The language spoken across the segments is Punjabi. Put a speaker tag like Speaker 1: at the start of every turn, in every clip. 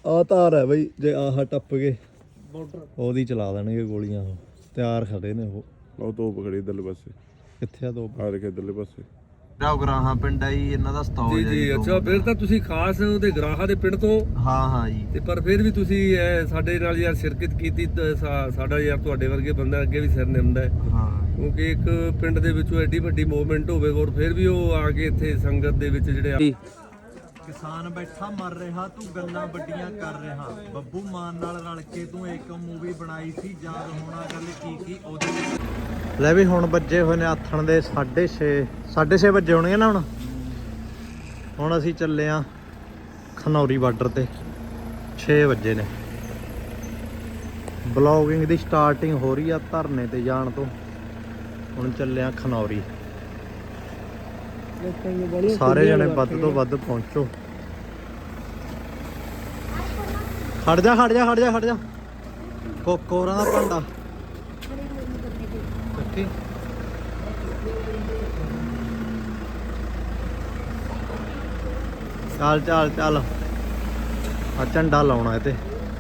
Speaker 1: ਆ ਧਾਰ ਹੈ ਬਈ, ਜੇ ਆਹ ਟੱਪ ਗਏ ਉਹਦੀ ਚਲਾ ਦੇਣਗੇ ਗੋਲੀਆਂ। ਉਹ ਤਿਆਰ ਖੜੇ ਨੇ। ਉਹ
Speaker 2: ਤੋਪ ਖੜੀ ਇਧਰਲੇ ਪਾਸੇ।
Speaker 1: ਕਿੱਥੇ ਆ ਤੋਪ?
Speaker 2: ਆ ਦੇਖ ਇਧਰਲੇ ਪਾਸੇ।
Speaker 1: ਗਰਾਹਾਂ ਪਿੰਡ ਆ ਜੀ ਇਹਨਾਂ ਦਾ ਸਤੌਜ
Speaker 3: ਜੀ। ਅੱਛਾ ਫਿਰ ਤਾਂ ਤੁਸੀਂ ਖਾਸ ਉਹਦੇ ਗਰਾਹਾਂ ਦੇ ਪਿੰਡ ਤੋਂ?
Speaker 1: ਹਾਂ ਜੀ।
Speaker 3: ਤੇ ਪਰ ਫਿਰ ਵੀ ਤੁਸੀਂ ਸਾਡੇ ਨਾਲ ਯਾਰ ਸ਼ਿਰਕਤ ਕੀਤੀ। ਸਾਡਾ ਯਾਰ ਤੁਹਾਡੇ ਵਰਗੇ ਬੰਦਾ ਅੱਗੇ ਵੀ ਸਿਰ ਨਿਮਦਾ ਹੈ। ਕਿਉਂਕਿ ਇੱਕ ਪਿੰਡ ਦੇ ਵਿੱਚੋਂ ਐਡੀ ਵੱਡੀ ਮੂਵਮੈਂਟ ਹੋਵੇ ਔਰ ਫਿਰ ਵੀ ਉਹ ਆ ਕੇ ਇੱਥੇ ਸੰਗਤ ਦੇ ਵਿੱਚ ਜਿਹੜੇ
Speaker 1: ਕਿਸਾਨ ਬੈਠਾ ਮਰ ਰਿਹਾ, ਤੂੰ ਗੱਲਾਂ ਵੱਡੀਆਂ ਕਰ ਰਿਹਾ। ਬੱਬੂ ਮਾਨ ਨਾਲ ਰਲ ਕੇ ਤੂੰ ਇੱਕ ਮੂਵੀ ਬਣਾਈ ਸੀ, ਯਾਦ ਹੋਣਾ ਗੱਲ ਕੀ ਉਹਦੇ। ਲੈ ਵੀ ਹੁਣ ਵੱਜੇ ਹੋਏ ਨੇ ਆਥਣ ਦੇ 6:30 ਵੱਜੇ ਹੋਣਗੇ ਨਾ। ਹੁਣ ਅਸੀਂ ਚੱਲੇ ਆ ਖਨੌਰੀ ਬਾਰਡਰ ਤੇ। 6 ਵਜੇ ਨੇ। ਬਲੌਗਿੰਗ ਦੀ ਸਟਾਰਟਿੰਗ ਹੋ ਰਹੀ ਆ ਧਰਨੇ ਤੇ ਜਾਣ ਤੋਂ। ਹੁਣ ਚੱਲੇ ਆ ਖਨੌਰੀ। ਸਾਰੇ ਜਣੇ ਵੱਧ ਤੋਂ ਵੱਧ ਪਹੁੰਚੋ। ਖੜ ਜਾ ਕੋਰਾਂ ਦਾ ਭਾਂਡਾ ਕੱਟੀ। ਚੱਲ ਆ ਝੰਡਾ ਲਾਉਣਾ ਇਹ ਤੇ।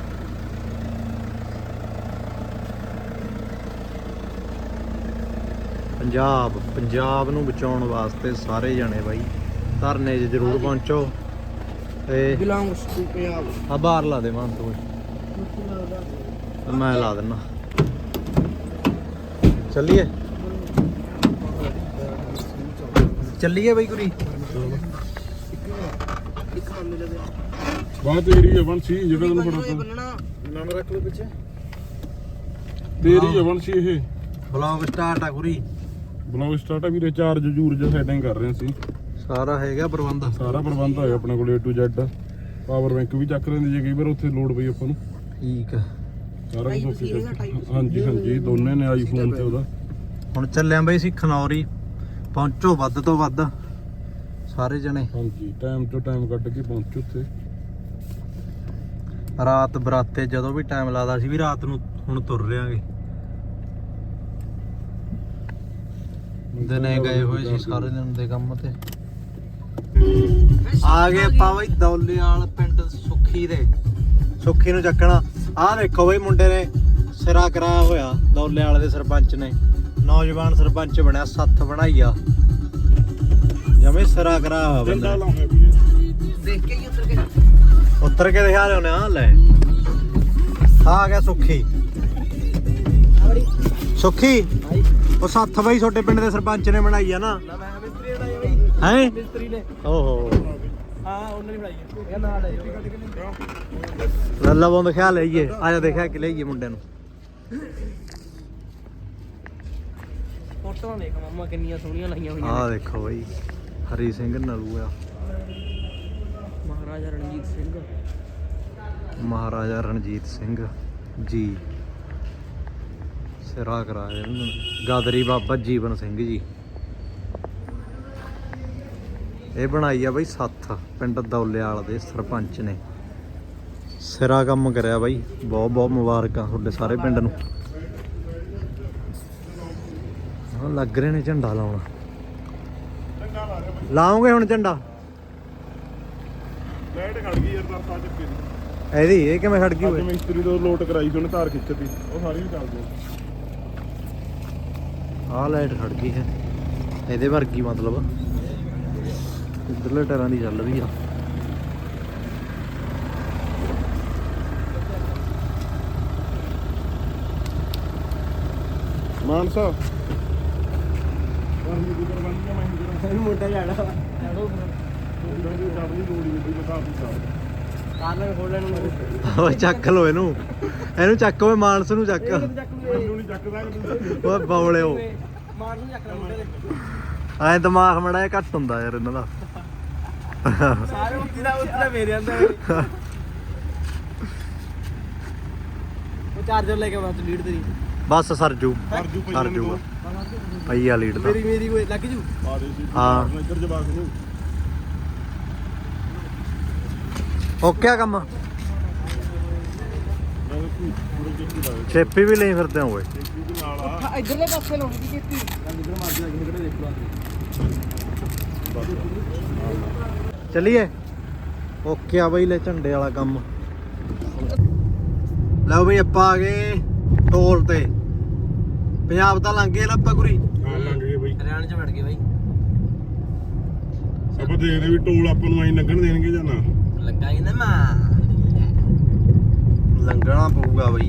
Speaker 1: ਪੰਜਾਬ ਨੂੰ ਬਚਾਉਣ ਵਾਸਤੇ ਸਾਰੇ ਜਣੇ ਬਾਈ ਧਰਨੇ 'ਚ ਜ਼ਰੂਰ ਪਹੁੰਚੋ। ਤੇ ਆ ਬਾਹਰ ਲਾ ਦੇ ਮਾਨ ਤੂੰ, ਮੈਂ ਲਾ ਦਿੰਨਾ। ਚੱਲੀਏ ਬਈ ਕੁਰੀ।
Speaker 2: ਬਾਤ ਤੇਰੀ ਹੈ ਵੰਸ਼ੀ, ਜਿਹੜਾ ਤੈਨੂੰ ਫੜਾਤਾ ਨਾਮ ਰੱਖ ਲੋ ਪਿੱਛੇ। ਤੇਰੀ ਹੈ ਵੰਸ਼ੀ। ਇਹ
Speaker 1: ਬਲੌਗ ਸਟਾਰਟ ਆ ਕੁਰੀ।
Speaker 2: ਬਲੌਗ ਸਟਾਰਟ ਆ ਵੀਰੇ। ਚਾਰਜ ਜੂਰਜ ਸੈਟਿੰਗ ਕਰ ਰਹੇ ਸੀ।
Speaker 1: ਸਾਰਾ ਹੈਗਾ ਪ੍ਰਬੰਧ।
Speaker 2: ਸਾਰਾ ਪ੍ਰਬੰਧ ਹੈ ਆਪਣੇ ਕੋਲ A to Z। Power bank ਵੀ ਚੱਕ ਲੈਂਦੇ ਜੇ ਕਈ ਵਾਰ ਉੱਥੇ ਲੋਡ ਪਈ ਆਪਾਂ ਨੂੰ।
Speaker 1: ਠੀਕ ਆ।
Speaker 2: ਸਾਰਾ ਕੁਝ। ਹਾਂਜੀ ਦੋਨੇ ਨੇ ਆਈਫੋਨ ਤੇ ਉਹਦਾ।
Speaker 1: ਹੁਣ ਚੱਲਿਆ ਬਈ ਅਸੀਂ ਖਨੌਰੀ। ਪਹੁੰਚੋ ਵੱਧ ਤੋਂ ਵੱਧ ਸਾਰੇ ਜਣੇ।
Speaker 2: ਹਾਂਜੀ ਟਾਈਮ ਤੋਂ ਟਾਈਮ ਕੱਢ ਕੇ ਪਹੁੰਚੋ ਉੱਥੇ।
Speaker 1: ਰਾਤ ਬਰਾਤੇ ਜਦੋਂ ਵੀ ਟਾਈਮ ਲੱਗਦਾ ਸੀ ਵੀ ਰਾਤ ਨੂੰ ਹੁਣ ਤੁਰ ਰਿਆਂਗੇ। ਦਿਨੇ ਗਏ ਹੋਏ ਸੀ ਸਾਰੇ ਦਿਨ ਦੇ ਕੰਮ ਤੇ। ਆ ਗਏ ਆਪਾਂ ਬਈ ਦੌਲੇਵਾਲ ਪਿੰਡ ਸੁੱਖੀ ਨੂੰ ਚੱਕਣਾ। ਆਹ ਦੇਖੋ ਬਈ ਮੁੰਡੇ ਨੇ ਸਿਰਾ ਕਰਾਇਆ ਹੋਇਆ ਦੌਲੇਵਾਲ ਦੇ ਸਰਪੰਚ ਨੇ। ਨੌਜਵਾਨ ਸਰਪੰਚ ਬਣਿਆ, ਸੱਥ ਬਣਾਈ ਆ ਜਮੇ ਸਿਰਾ ਕਰਾਇਆ ਹੋਇਆ ਬੰਦਾ।
Speaker 4: ਦੇਖ ਕੇ ਹੀ
Speaker 1: ਉਤਰ ਕੇ ਦਿਖਾ ਲਿਓ ਨਾ। ਲੈ ਆ ਗਿਆ ਸੁੱਖੀ। ਉਹ ਸੱਥ ਬਈ ਛੋਟੇ ਪਿੰਡ ਦੇ ਸਰਪੰਚ ਨੇ ਬਣਾਈ ਆ ਨਾ। ਹੈ
Speaker 4: ਮਿਸਤਰੀ ਨੇ।
Speaker 1: ਓਹੋ
Speaker 4: ਹਾਂ ਉਹਨੇ ਬਣਾਈ ਹੈ। ਨਾਲ
Speaker 1: ਲੱਲਾ ਬੰਦ ਖਿਆ ਲਈਏ। ਆ ਜਾ ਦੇਖਿਆ ਕਿ ਲਈਏ ਮੁੰਡੇ ਨੂੰ।
Speaker 4: ਫੋਟੋਆਂ ਦੇਖ ਮਾਮਾ ਕਿੰਨੀਆਂ ਸੋਹਣੀਆਂ ਲਾਈਆਂ ਹੋਈਆਂ।
Speaker 1: ਆਹ ਦੇਖੋ ਬਈ ਹਰੀ ਸਿੰਘ ਨਲੂ ਆ। ਮਹਾਰਾਜਾ ਰਣਜੀਤ ਸਿੰਘ ਜੀ ਸਿਰਾ ਕਰਾਇਆ। ਗਾਦਰੀ ਬਾਬਾ ਜੀਵਨ ਸਿੰਘ ਜੀ। ਇਹ ਬਣਾਈ ਆ ਬਈ ਸੱਥ ਪਿੰਡ ਦੌਲੇਵਾਲ ਦੇ ਸਰਪੰਚ ਨੇ। ਸਿਰਾ ਕੰਮ ਕਰਿਆ ਬਾਈ। ਬਹੁਤ ਮੁਬਾਰਕਾਂ ਤੁਹਾਡੇ ਸਾਰੇ ਪਿੰਡ ਨੂੰ। ਲੱਗ ਰਹੇ ਨੇ ਝੰਡਾ ਲਾਉਣਾ। ਲਾਉਂਗੇ ਹੁਣ ਝੰਡਾ।
Speaker 2: ਲਾਈਟ ਖੜ ਗਈ ਯਾਰ ਦਰਸਾ ਚੱਕੇ ਦੀ।
Speaker 1: ਇਹਦੀ ਇਹ ਕਿਵੇਂ ਖੜ ਗਈ ਓਏ?
Speaker 2: ਮਿਸਤਰੀ ਤੋਂ ਲੋਟ ਕਰਾਈ ਸੀ ਉਹਨੇ, ਤਾਰ ਖਿੱਚਤੀ। ਉਹ ਸਾਰੀ ਵੀ ਚੱਲ ਗਈ।
Speaker 1: ਆਹ ਲਾਈਟ ਖੜ ਗਈ ਹੈ ਇਹਦੇ ਵਰਗੀ, ਮਤਲਬ ਇੱਧਰਲੇ ਟਾਇਰਾਂ ਦੀ ਚੱਲ ਰਹੀ ਆ।
Speaker 2: ਮਾਨਸਾ
Speaker 4: ਮੋਟਾ ਜਾਣਾ ਕਾਰਨ ਖੋਲਣ ਨੂੰ।
Speaker 1: ਓਏ ਚੱਕ ਲੋ ਇਹਨੂੰ ਚੱਕ ਓਏ ਮਾਨਸ ਨੂੰ ਚੱਕ। ਓਏ ਬੌਲਿਓ
Speaker 4: ਮਾਰ ਨੂੰ ਚੱਕ ਲੈ।
Speaker 1: ਐ ਦਿਮਾਗ ਮੜਾ ਜਿਹਾ ਘੱਟ ਹੁੰਦਾ ਯਾਰ ਇਹਨਾਂ ਦਾ।
Speaker 4: ਸਾਰੇ ਉੱਤੇ ਮੇਰੇ ਅੰਦਰ। ਉਹ ਚਾਰਜਰ ਲੈ ਕੇ ਆਉਣਾ ਤੂੰ ਲੀਡ ਤੇਰੀ।
Speaker 1: ਬਸ ਸਰਜੂ ਪਈ ਆ ਲੀਡ ਤਾਂ।
Speaker 4: ਮੇਰੀ ਕੋਈ ਲੱਗ ਜੂ।
Speaker 1: ਹਾਂ
Speaker 2: ਇੱਧਰ ਜਵਾਕ ਨੂੰ
Speaker 1: ਓਕੇ ਆ ਕੰਮ। ਛੇਪੀ ਵੀ ਲਈ ਫਿਰਦੇ ਹੋਏ।
Speaker 4: ਇਧਰਲੇ ਪਾਸੇ ਲਾਉਣੀ ਦੀ ਕੀਤੀ। ਇਧਰ ਮਾਰ ਜਾ ਕੇ ਕਿਹੜੇ ਦੇਖ ਲਓ।
Speaker 1: ਚੱਲੀਏ ਓਕੇ ਆ ਬਈ। ਲੈ ਝੰਡੇ ਵਾਲਾ ਕੰਮ ਲਓ ਬਈ ਆਪਾਂ ਆ ਗਏ ਟੋਲ ਤੇ। ਪੰਜਾਬ ਤਾਂ ਲੰਘ ਗਏ ਨਾ ਆਪਾਂ ਗੁਰੀ।
Speaker 2: ਹਾਂ ਲੰਘ ਗਏ ਬਈ,
Speaker 4: ਹਰਿਆਣੇ ਚ ਵੜ ਗਏ ਬਾਈ।
Speaker 2: ਆਪਾਂ ਦੇਖਦੇ ਵੀ ਟੋਲ ਆਪਾਂ ਨੂੰ ਐਂ ਲੰਘਣ ਦੇਣਗੇ ਜਾਂ ਨਾ।
Speaker 4: ਲੱਗਾ ਹੀ ਨਾ ਮਾਂ
Speaker 1: ਲੰਘਣਾ ਪਊਗਾ ਬਈ।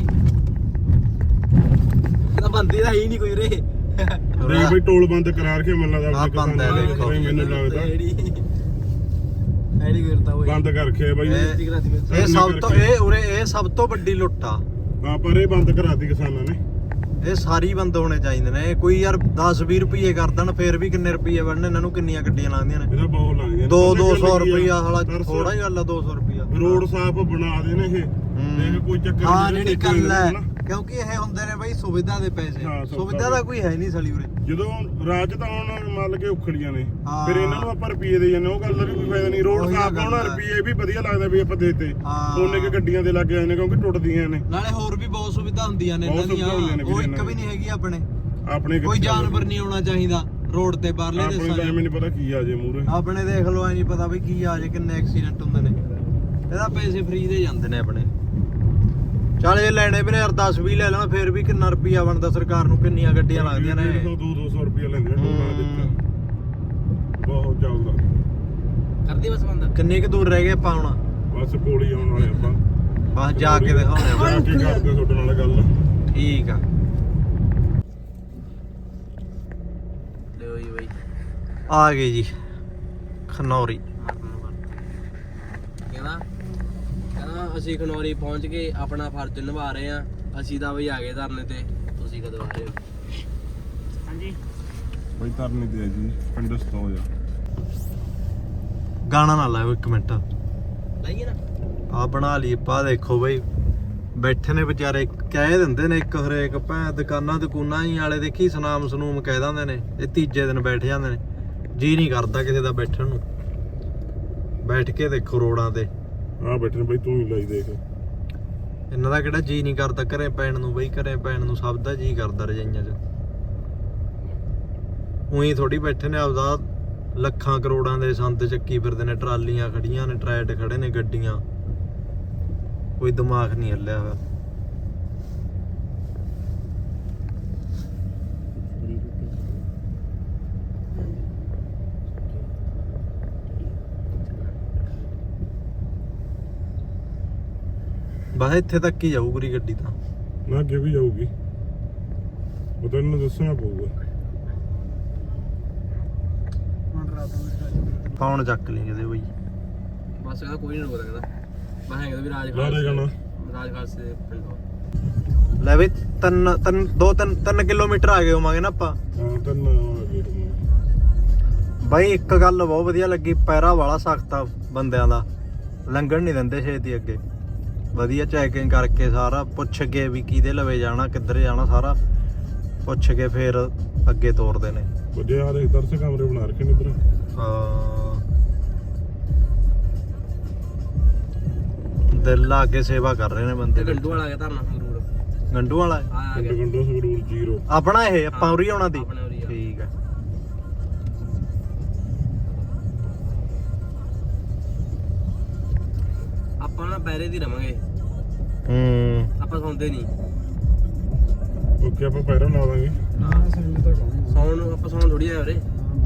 Speaker 4: ਤਾਂ ਬੰਦੀ ਤਾਂ ਹੀ ਨਹੀਂ ਕੋਈ ਰੇ।
Speaker 2: ਦੇਖ ਬਈ ਟੋਲ ਬੰਦ ਕਰਾ ਰੱਖਿਆ ਮੈਨੂੰ ਲੱਗਦਾ
Speaker 1: ਆਹ ਬੰਦ ਹੈ ਦੇਖੋ।
Speaker 2: ਬਈ ਮੈਨੂੰ ਲੱਗਦਾ
Speaker 4: ਐਡੀ ਕਰਤਾ ਹੋਈ
Speaker 2: ਬੰਦ ਕਰ ਰੱਖਿਆ ਬਈ।
Speaker 1: ਇਹ ਸਭ ਤੋਂ ਇਹ ਸਭ ਤੋਂ ਵੱਡੀ ਲੁੱਟ ਆ।
Speaker 2: ਹਾਂ ਪਰ ਇਹ ਬੰਦ ਕਰਾਤੀ ਕਿਸਾਨਾਂ ਨੇ।
Speaker 1: ਇਹ ਸਾਰੀ ਬੰਦ ਹੋਣੇ ਚਾਹੀਦੇ ਨੇ। ਕੋਈ ਯਾਰ 10-20 ਰੁਪਏ ਕਰ ਦੇਣ ਫੇਰ ਵੀ ਕਿੰਨੇ ਰੁਪਏ ਬਣਨੇ ਇਹਨਾਂ ਨੂੰ। ਕਿੰਨੀਆਂ ਗੱਡੀਆਂ ਲਾਉਂਦੀਆਂ ਨੇ?
Speaker 2: ਇਹਦਾ ਬਹੁਤ ਲੱਗਦੀਆਂ
Speaker 1: 200 ਰੁਪਇਆ ਸਾਲਾ ਥੋੜਾ ਹੀ ਗੱਲ ਆ। 200 ਰੁਪਇਆ
Speaker 2: ਰੋਡ ਸਾਫ ਬਣਾ ਦੇ ਨੇ ਇਹ। ਦੇਖ ਕੋਈ ਚੱਕਰ
Speaker 1: ਹਾਂ
Speaker 2: ਨਹੀਂ
Speaker 1: ਜਿਹੜੀ ਗੱਲ ਹੈ ਕਿਉਂਕਿ ਇਹ ਹੁੰਦੇ ਨੇ ਬਈ ਸੁਵਿਧਾ ਦੇ ਪੈਸੇ।
Speaker 2: ਹਾਂ,
Speaker 1: ਸੁਵਿਧਾ ਦਾ ਕੋਈ ਹੈ ਨਹੀਂ ਸਾਲੀ ਉਰੇ।
Speaker 2: ਜਦੋਂ ਰਾਜ ਤਾਂ ਹੁਣ ਮੰਨ ਕੇ ਉਖੜੀਆਂ ਨੇ
Speaker 1: ਹਾਂ।
Speaker 2: ਫਿਰ ਇਹਨਾਂ ਨੂੰ ਆਪਾਂ ਰੁਪਏ ਦੇ ਜਾਂਦੇ, ਉਹ ਗੱਲ ਦਾ ਵੀ ਕੋਈ ਫਾਇਦਾ ਨਹੀਂ। ਰੋਡ
Speaker 1: ਉਹੀ
Speaker 2: ਸਾਫ
Speaker 1: ਗੱਲ
Speaker 2: ਹੋਣਾ
Speaker 1: ਹੈ।
Speaker 2: ਰੁਪਏ ਵੀ ਵਧੀਆ ਲੱਗਦਾ ਵੀ ਆਪਾਂ ਦੇਤੇ
Speaker 1: ਹਾਂ।
Speaker 2: ਉਹਨੇ ਕਿ ਗੱਡੀਆਂ ਦੇ ਲੱਗ ਜਾਂਦੇ ਨੇ ਕਿਉਂਕਿ ਟੁੱਟਦੀਆਂ ਨੇ।
Speaker 1: ਨਾਲੇ ਹੋਰ ਵੀ ਬਹੁਤ ਸੁਵਿਧਾ ਹੁੰਦੀਆਂ ਨੇ ਇਹਨਾਂ
Speaker 2: ਬਹੁਤ ਸੁਵਿਧਾ ਹੁੰਦੀਆਂ ਨੇ
Speaker 1: ਦੀਆਂ। ਉਹ
Speaker 2: ਵੀਰੇ
Speaker 1: ਇੱਕ
Speaker 2: ਇਹਨਾਂ
Speaker 1: ਵੀ ਨਹੀਂ ਹੈਗੀ ਆਪਣੇ।
Speaker 2: ਆਪਣੇ
Speaker 1: ਕੋਈ ਜਾਨਵਰ ਨਹੀਂ ਆਉਣਾ ਚਾਹੀਦਾ ਰੋਡ ਤੇ ਬਾਹਰਲੇ
Speaker 2: ਆਪਣੇ
Speaker 1: ਦੇਸ਼ਾਂ
Speaker 2: ਤਾਂ
Speaker 1: 'ਚ।
Speaker 2: ਐਵੇਂ ਨਹੀਂ ਪਤਾ ਕੀ ਆ ਜੇ ਮੂਰੇ।
Speaker 1: ਆਪਣੇ ਦੇਖ ਲਓ ਐ ਨਹੀਂ ਪਤਾ ਵੀ ਕੀ ਆ ਜੇ ਕਿੰਨੇ ਐਕਸੀਡੈਂਟ ਹੁੰਦੇ ਨੇ। ਇਹਦਾ ਪੈਸੇ ਫ੍ਰੀ ਦੇ ਜਾਂਦੇ ਨੇ ਆਪਣੇ। ਚੱਲ ਇਹ ਲੈਣੇ ਵੀ ਨੇ ਯਾਰ 10-20 ਲੈ ਲੈਣਾ ਫੇਰ ਵੀ ਕਿੰਨਾ ਰੁਪਿਆ ਬਣਦਾ ਸਰਕਾਰ ਨੂੰ। ਕਿੰਨੀਆਂ ਗੱਡੀਆਂ ਲੱਗਦੀਆਂ ਨੇ।
Speaker 2: 200 ਰੁਪਏ ਲੈਂਦੇ ਨੇ ਟੋਲਾਂ ਦੇ ਵਿੱਚ। ਬਹੁਤ ਚੱਲਦਾ।
Speaker 4: ਕਰਦੀ ਬਸ ਬੰਦ।
Speaker 1: ਕਿੰਨੇ ਕੁ ਦੂਰ ਰਹਿ ਗਏ ਆਪਾਂ ਹੁਣ?
Speaker 2: ਬਸ ਕੋਲ ਹੀ ਆਉਣ ਵਾਲੇ ਆਪਾਂ।
Speaker 1: ਬਸ ਜਾ ਕੇ ਦਿਖਾਉਂਦੇ
Speaker 2: ਜਾ
Speaker 1: ਆ।
Speaker 2: ਕੇ ਕਰਦੇ ਤੁਹਾਡੇ ਨਾਲ ਗੱਲ।
Speaker 1: ਠੀਕ ਆ।
Speaker 4: ਲਿਓ ਜੀ ਬਾਈ
Speaker 1: ਆ ਗਏ ਜੀ ਖਨੌਰੀ।
Speaker 4: ਕਹਿੰਦਾ ਅਸੀਂ ਖਨੌਰੀ ਪਹੁੰਚ ਕੇ ਆਪਣਾ ਫਰਜ਼ ਨਿਭਾ ਰਹੇ ਆ। ਅਸੀਂ ਤਾਂ ਬਈ ਆ ਗਏ ਧਰਨੇ ਤੇ। ਤੁਸੀਂ ਕਦੋਂ ਆ ਰਹੇ ਹੋ? ਹਾਂਜੀ
Speaker 2: ਬਈ ਤਰਨੀ ਤੇ ਜੀ ਪਿੰਡ ਸਤੋ ਜਾ।
Speaker 1: ਗਾਣਾ ਨਾ ਲਾਓ ਇੱਕ ਮਿੰਟ।
Speaker 4: ਲਾਈਏ ਨਾ
Speaker 1: ਆ ਬਣਾ ਲਈ ਪਾ। ਦੇਖੋ ਬਈ ਬੈਠੇ ਨੇ ਵਿਚਾਰੇ। ਕਹਿ ਦਿੰਦੇ ਨੇ ਇੱਕ ਹਰੇਕ ਭੈਂ ਦੁਕਾਨਾਂ ਹੀ ਵਾਲੇ ਦੇਖੀ ਸਨਾਮ ਸਨੂਮ ਕਹਿ ਦਿੰਦੇ ਨੇ। ਇਹ ਤੀਜੇ ਦਿਨ ਬੈਠ ਜਾਂਦੇ ਨੇ। ਜੀ ਨਹੀਂ ਕਰਦਾ ਕਿਸੇ ਦਾ ਬੈਠਣ ਨੂੰ। ਬੈਠ ਕੇ ਦੇਖੋ ਰੋਡਾਂ ਤੇ
Speaker 2: ਆ ਬੈਠੇ ਨੇ ਬਈ, ਤੂੰ ਹੀ ਲਾਈ ਦੇਖ।
Speaker 1: ਇਹਨਾਂ ਦਾ ਕਿਹੜਾ ਜੀ ਨਹੀਂ ਕਰਦਾ ਘਰੇ ਪੈਣ ਨੂੰ ਬਈ। ਘਰੇ ਪੈਣ ਨੂੰ ਸਭ ਦਾ ਜੀ ਕਰਦਾ ਰਜਾਈਆਂ 'ਚ। ਉਹੀ ਥੋੜੀ ਬੈਠੇ ਨੇ। ਆਪਦਾ ਲੱਖਾਂ ਕਰੋੜਾਂ ਦੇ ਸੰਦ ਚੱਕੀ ਫਿਰਦੇ ਨੇ। ਟਰਾਲੀਆਂ ਖੜੀਆਂ ਨੇ, ਟਰੈਟ ਖੜੇ ਨੇ, ਗੱਡੀਆਂ। ਕੋਈ ਦਿਮਾਗ ਨਹੀਂ ਹੱਲਿਆ ਹੋਇਆ। ਬਸ ਇੱਥੇ ਤੱਕ ਹੀ ਜਾਊ ਪੂਰੀ ਗੱਡੀ ਤਾਂ।
Speaker 2: ਨਾ ਅੱਗੇ ਵੀ ਜਾਊਗੀ, ਉਹ ਤਾਂ ਇਹਨੂੰ ਦੱਸਣਾ ਪਊਗਾ।
Speaker 1: ਫੋਨ ਚੱਕ ਲਈ ਕਿਤੇ ਬਈ।
Speaker 4: ਬਸ ਕਹਿੰਦਾ ਕੋਈ ਨਹੀਂ ਰੋਕਦਾ। ਕਹਿੰਦਾ ਮੈਂ ਕਹਿੰਦਾ ਵੀ
Speaker 2: ਲਾ ਦੇ ਗਾਣਾ।
Speaker 4: ਰਾਜਖਾਸ ਦੇ ਪਿੰਡੋਂ।
Speaker 1: ਲੈ ਵੀ 3 ਕਿਲੋਮੀਟਰ ਆ ਗਏ ਹੋਵਾਂਗੇ ਨਾ ਆਪਾਂ।
Speaker 2: ਹਾਂ ਤਨ ਆ ਗਏ।
Speaker 1: ਬਾਈ ਇੱਕ ਗੱਲ ਬਹੁਤ ਵਧੀਆ ਲੱਗੀ। ਪੈਰਾ ਵਾਲਾ ਸਖਤ ਆ ਬੰਦਿਆਂ ਦਾ। ਲੰਘਣ ਨਹੀਂ ਦਿੰਦੇ ਛੇਤੀ ਅੱਗੇ। ਵਧੀਆ ਚੈਕਿੰਗ ਕਰਕੇ ਸਾਰਾ ਪੁੱਛ ਕੇ ਵੀ ਕਿਹਦੇ ਲਵੇ ਜਾਣਾ, ਕਿੱਧਰ ਜਾਣਾ, ਸਾਰਾ ਪੁੱਛ ਕੇ ਫੇਰ ਅੱਗੇ ਤੋਰਦੇ ਨੇ।
Speaker 2: ਵੱਡੇ ਆ ਦੇ ਦਰਸ ਕਮਰੇ ਬਣਾ ਰੱਖੇ ਨੇ ਇਧਰ।
Speaker 1: ਦਿਲ ਲਾ ਕੇ ਸੇਵਾ ਕਰ ਰਹੇ ਨੇ ਬੰਦੇ।
Speaker 4: ਗੰਡੂ ਵਾਲਾ ਆ ਗਿਆ ਧਰਨਾ ਸੰਗਰੂਰ।
Speaker 1: ਗੰਡੂ ਵਾਲਾ
Speaker 4: ਆ ਗਿਆ
Speaker 2: ਗੰਡੋ ਸੰਗਰੂਰ 0
Speaker 1: ਆਪਣਾ। ਇਹ ਆਪਾਂ ਉਰੀ ਆਉਣਾ ਦੀ।
Speaker 4: ਆਪਣੇ ਉਰੀ ਆ।
Speaker 1: ਠੀਕ ਆ।
Speaker 4: ਆਪਾਂ ਨਾ ਪੈਰੇ ਦੀ ਰਵਾਂਗੇ। ਆਪਾਂ ਸੌਂਦੇ ਨਹੀਂ।
Speaker 2: ਓਕੇ ਆਪਾਂ ਪੈਰਾਂ ਲਾ ਦਾਂਗੇ।
Speaker 4: ਸੌਣ ਨੂੰ ਆਪਾਂ ਸੌਣ ਥੋੜੀ ਆਏ ਉਰੇ।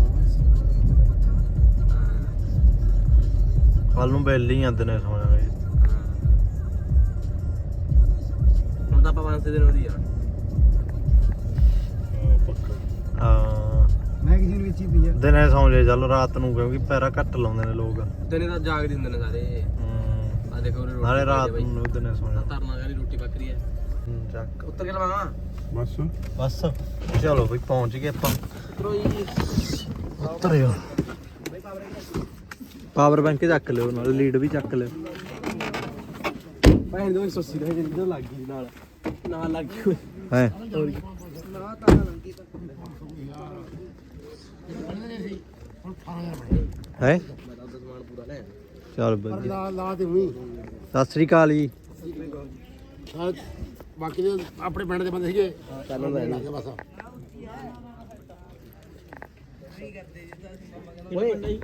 Speaker 1: ਕੱਲ ਨੂੰ ਬੈਲ ਹੀ ਆਂਦੇ ਨੇ ਸੌਣਾਂਗੇ।
Speaker 4: ਹੁਣ ਤਾਂ ਆਪਾਂ 5 ਦਿਨ ਉਰੀ ਆ।
Speaker 2: ਹਾਂ ਪੱਕਾ।
Speaker 4: ਮੈਗਜ਼ੀਨ ਵਿੱਚ ਹੀ ਪਈ ਆ।
Speaker 1: ਦਿਨੇ ਸੌਂ ਜੇ ਚੱਲ ਰਾਤ ਨੂੰ ਕਿਉਂਕਿ ਪੈਰਾ ਘੱਟ ਲਾਉਂਦੇ ਨੇ ਲੋਕ।
Speaker 4: ਦਿਨੇ ਤਾਂ ਜਾਗਦੇ ਹੁੰਦੇ ਨੇ ਸਾਰੇ। ਆ ਦੇਖੋ ਉਰੇ
Speaker 1: ਨਾਲੇ ਰਾਤ ਨੂੰ ਦਿਨੇ ਸੌਂ ਜਾ।
Speaker 4: ਧਰਨਾ ਵਾਲੀ ਰੋਟੀ ਪੱਕਰੀ ਹੈ।
Speaker 1: ਚੱਕ
Speaker 4: ਉੱਤਰ ਕੇ ਲਵਾਵਾਂ।
Speaker 2: ਬਸ
Speaker 1: ਬਸ ਚਲੋ ਬਈ ਪਹੁੰਚ ਗਏ ਆਪਾਂ।
Speaker 4: ਉਤਰੋ ਜੀ।
Speaker 1: ਉਤਰਿਓ। ਪਾਵਰ ਬੈਂਕ ਚੱਕ ਲਿਓ, ਨਾਲ ਲੀਡ ਵੀ ਚੱਕ ਲਿਓ।
Speaker 4: ਭੈਣ ਦੋ 180 ਦਾ ਜਿੱਦਾਂ ਲੱਗ ਗਈ ਨਾਲ ਲੱਗ ਗਈ
Speaker 1: ਹੈ
Speaker 4: ਹੋਰ ਕੀ ਨਾ ਤਾਂ ਲੰਗੀ ਤਾਂ
Speaker 1: ਹੈ
Speaker 4: ਮੇਰਾ ਉਹਦਾ ਸਮਾਨ ਪੂਰਾ ਲੈ
Speaker 1: ਚੱਲ ਬਈ।
Speaker 4: ਲਾ ਦੇ ਵੀ।
Speaker 1: ਸਤਿ ਸ੍ਰੀ ਅਕਾਲ ਜੀ।
Speaker 4: ਬਾਕੀ ਦੇ ਆਪਣੇ ਪਿੰਡ ਦੇ ਬੰਦੇ ਸੀਗੇ। ਚੱਲ ਬਸ ਓਏ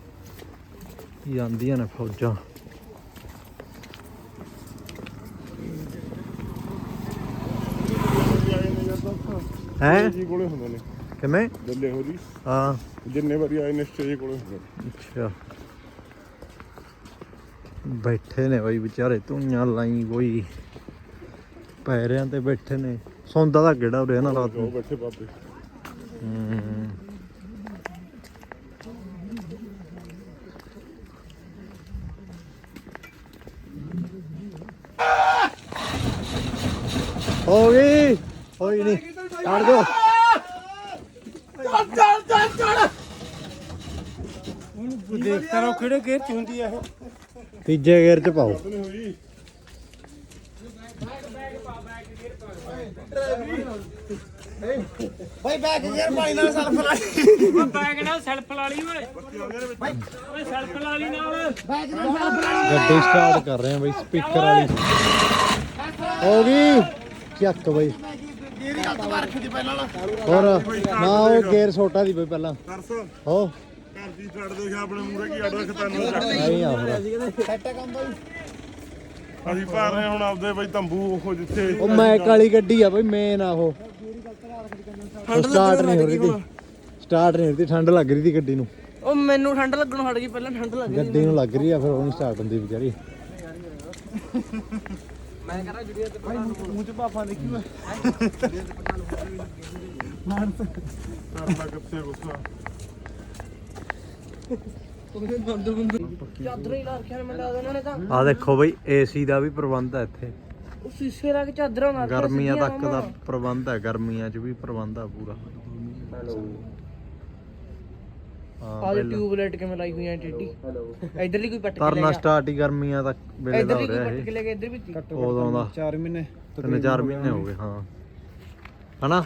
Speaker 1: ਜਾਂਦੀਆਂ ਨੇ ਫੌਜਾਂ। ਹੈ
Speaker 2: ਜੀ ਕੋਲੇ ਹੁੰਦੇ ਨੇ
Speaker 1: ਕਿਵੇਂ
Speaker 2: ਦੱਲੇ ਹੋ ਜੀ
Speaker 1: ਹਾਂ
Speaker 2: ਜਿੰਨੇ ਵਾਰੀ ਆਏ ਨੇ ਸਟੇਜ ਕੋਲੇ ਹੁੰਦੇ ਨੇ।
Speaker 1: ਅੱਛਾ ਬੈਠੇ ਨੇ ਬਾਈ ਵਿਚਾਰੇ ਧੂਈਆਂ ਲਾਈ ਕੋਈ ਪੈਰਿਆਂ ਤੇ ਬੈਠੇ ਨੇ ਸੌਂਦਾ ਦਾ ਕਿਹੜਾ ਉਰੇ ਨਾ ਰਾਤ
Speaker 2: ਉਹ
Speaker 1: ਨੂੰ
Speaker 2: ਬੈਠੇ ਬਾਬੇ
Speaker 1: ਹੋ ਗਈ ਹੋਈ ਨਹੀਂ ਛੱਡ ਦੋ
Speaker 5: ਦੇਖਦਾ ਰਹੋ ਕਿਹੜੇ ਗੇਅਰ ਚ ਹੁੰਦੀ ਆ ਇਹ
Speaker 1: ਤੀਜੇ ਗੇਅਰ ਚ ਪਾਓ
Speaker 5: ਭਾਈ ਬੈਕ ਗੇਅਰ ਪਾਣੀ ਨਾਲ ਸੈਲਫ ਲਾ ਲਈ ਬੈਕ ਨਾਲ ਸੈਲਫ ਲਾ ਲਈ ਓਏ ਓਏ ਸੈਲਫ ਲਾ ਲਈ ਨਾਲ ਬੈਕ ਨਾਲ ਸੈਲਫ ਲਾ ਲਈ
Speaker 1: ਗੱਡੀ ਸਟਾਰਟ ਕਰ ਰਹੇ ਆ ਬਈ ਸਪੀਕਰ ਵਾਲੀ ਹੋ ਗਈ ਚੱਕ ਬਈ
Speaker 5: ਗੇਅਰ ਹੱਥ ਮਾਰ ਰੱਖੀ ਪਹਿਲਾਂ
Speaker 1: ਹੋਰ ਨਾ ਉਹ ਗੇਅਰ ਛੋਟਾ ਦੀ ਬਈ ਪਹਿਲਾਂ
Speaker 2: ਤਰਸ
Speaker 1: ਹੋ
Speaker 2: ਘਰ ਦੀ ਛੱਡ ਦੋ ਆਪਣੇ ਮੂਹਰੇ ਕੀ ਆਡਾ ਖਤਾਨਾ ਚੱਕ
Speaker 1: ਨਹੀਂ ਆ ਫਿਰ
Speaker 5: ਸੈਟ ਕੰਮ ਬਾਈ
Speaker 2: ਅਸੀਂ ਭਰ ਰਹੇ ਹੁਣ ਆਪਦੇ ਬਈ ਤੰਬੂ ਉਹ ਜਿੱਥੇ
Speaker 1: ਉਹ ਮੈਕ ਵਾਲੀ ਗੱਡੀ ਆ ਬਈ ਮੇਨ ਆ ਉਹ ਸਟਾਰਟ ਨਹੀਂ ਹੋ ਰਹੀ ਸੀ ਸਟਾਰਟ ਨਹੀਂ ਹੋ ਰਹੀ ਸੀ ਠੰਡ ਲੱਗ ਰਹੀ ਸੀ ਗੱਡੀ ਨੂੰ
Speaker 5: ਉਹ ਮੈਨੂੰ ਠੰਡ ਲੱਗਣੋਂ ਹਟ ਗਈ ਪਹਿਲਾਂ ਠੰਡ ਲੱਗ
Speaker 1: ਗੱਡੀ ਨੂੰ ਲੱਗ ਰਹੀ ਆ ਫਿਰ ਉਹ ਨਹੀਂ ਸਟਾਰਟ ਹੁੰਦੀ ਵਿਚਾਰੀ
Speaker 5: ਮੈਂ ਕਰਾਂ ਜੁੜੀਆ ਤੇ ਭਾਈ ਮੂੰਹ ਚ ਭਾਫਾ ਦੇਖੀ ਓਏ
Speaker 2: ਕਰਨਾ ਕਿੱਥੇ ਗੁੱਸਾ
Speaker 5: ਚਾਦਰ ਹੀ ਲਾ ਰੱਖਿਆ ਮੈਨੂੰ ਲੱਗਦਾ ਉਹਨਾਂ ਨੇ ਤਾਂ
Speaker 1: ਆ ਦੇਖੋ ਬਈ ਏਸੀ ਦਾ ਵੀ ਪ੍ਰਬੰਧ ਹੈ ਇੱਥੇ
Speaker 5: ਉਹ ਸ਼ੀਸ਼ੇ ਲਾ ਕੇ ਚਾਦਰਾਂ ਨਾਲ
Speaker 1: ਗਰਮੀਆਂ ਤੱਕ ਦਾ ਪ੍ਰਬੰਧ ਹੈ ਗਰਮੀਆਂ 'ਚ ਵੀ ਪ੍ਰਬੰਧ ਆ ਪੂਰਾ ਹਾਂ
Speaker 5: ਆਹ ਟਿਊਬਲਾਈਟ ਕਿਵੇਂ ਲਾਈ ਹੋਈ ਆ ਟੇਡੀ ਇਧਰਲੀ ਕੋਈ ਪੱਟ ਕੇ
Speaker 1: ਕਰਨਾ ਸਟਾਰਟ ਹੀ ਗਰਮੀਆਂ ਤੱਕ ਵੇਲੇ ਦਾ ਹੋ
Speaker 5: ਇਧਰਲੀ ਕੋਈ
Speaker 1: ਰਿਹਾ
Speaker 5: ਪੱਟ
Speaker 1: ਇਹ
Speaker 5: ਕੇ ਲੈ ਕੇ ਇਧਰ ਵੀ
Speaker 1: ਉਦੋਂ ਦਾ
Speaker 5: 4 ਮਹੀਨੇ
Speaker 1: 3-4 ਮਹੀਨੇ ਹੋ ਗਏ ਹਾਂ ਹਨਾ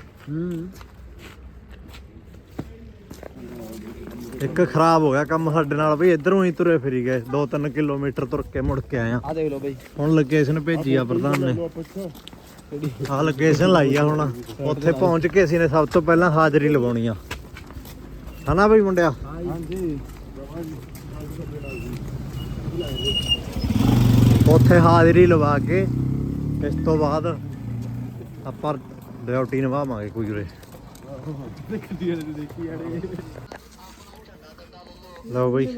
Speaker 1: ਇੱਕ ਖਰਾਬ ਹੋ ਗਿਆ ਕੰਮ ਸਾਡੇ ਨਾਲ ਬਈ ਇਧਰੋਂ ਹੀ ਤੁਰੇ ਫਿਰੀ ਗਏ 2-3 ਕਿਲੋਮੀਟਰ ਤੁਰ ਕੇ ਮੁੜ ਕੇ ਆਏ ਆ
Speaker 5: ਆ ਦੇਖ ਲਓ ਬਾਈ
Speaker 1: ਹੁਣ ਲੋਕੇਸ਼ਨ ਭੇਜੀ ਆ ਪ੍ਰਧਾਨ ਨੇ ਆਹ ਲੋਕੇਸ਼ਨ ਲਾਈ ਆ ਹੁਣ ਉੱਥੇ ਪਹੁੰਚ ਕੇ ਅਸੀਂ ਨੇ ਸਭ ਤੋਂ ਪਹਿਲਾਂ ਹਾਜ਼ਰੀ ਲਵਾਉਣੀ ਆ ਹਨਾ ਬਈ ਮੁੰਡਿਆ
Speaker 5: ਹਾਂਜੀ
Speaker 1: ਉੱਥੇ ਹਾਜ਼ਰੀ ਲਵਾ ਕੇ ਇਸ ਤੋਂ ਬਾਅਦ ਆਪਾਂ ਡਿਊਟੀ ਨਿਭਾਵਾਂਗੇ ਕੋਈ ਉਰੇ ਲਓ ਬਈ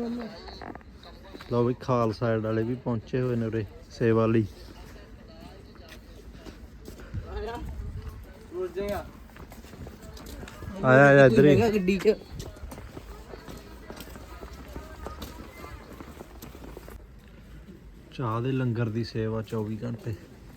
Speaker 1: ਖਾਲਸਾ ਸਾਈਡ ਵਾਲੇ ਵੀ ਪਹੁੰਚੇ ਹੋਏ ਨੇ ਉਰੇ ਸੇਵਾ ਲਈ ਆਇਆ ਇੱਧਰ ਹੀ
Speaker 5: ਗੱਡੀ 'ਚ
Speaker 1: ਚਾਹ ਦੇ ਲੰਗਰ ਦੀ ਸੇਵਾ 24 ਘੰਟੇ